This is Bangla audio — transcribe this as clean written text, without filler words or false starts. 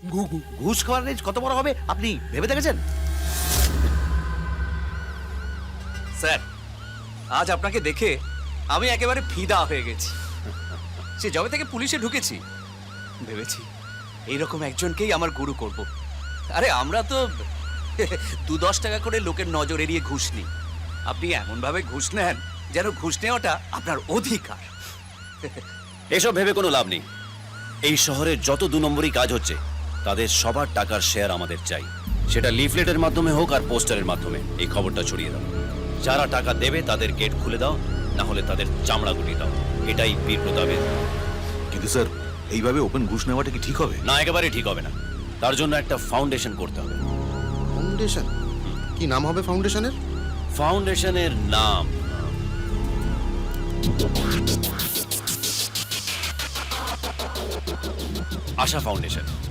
ঘুষ খাওয়ার রেঞ্জ কত বড় হবে আপনি ভেবে দেখেছেন? স্যার, আজ আপনাকে দেখে আমি একেবারে ফিদা হয়ে গেছি। সে যবে থেকে পুলিশে ঢুকেছি ভেবেছি এইরকম একজনকেই আমার গুরু করব। আরে আমরা তো 2-10 টাকা করে লোকের নজর এড়িয়ে ঘুষ নিই, আপনি এমন ভাবে ঘুষ নেন যেন ঘুষ নেওয়াটা আপনার অধিকার। এসব ভেবে কোনো লাভ নেই। এই শহরে যত 2 নম্বরই কাজ হচ্ছে তাদের সবার টাকার শেয়ার আমাদের চাই। সেটা লিফলেটের মাধ্যমে হোক আর পোস্টারের মাধ্যমে এই খবরটা ছড়িয়ে দাও। যারা টাকা দেবে তাদের গেট খুলে দাও, না হলে তাদের চামড়া গুটিয়ে দাও। এটাই বীর প্রতাপের। কিন্তু স্যার, এইভাবে ওপেন ঘুষ নেওয়াটা কি ঠিক হবে? না, একেবারে ঠিক হবে না। তার জন্য একটা ফাউন্ডেশন করতে হবে। ফাউন্ডেশন? কি নাম হবে ফাউন্ডেশনের? ফাউন্ডেশনের নাম আশা ফাউন্ডেশন।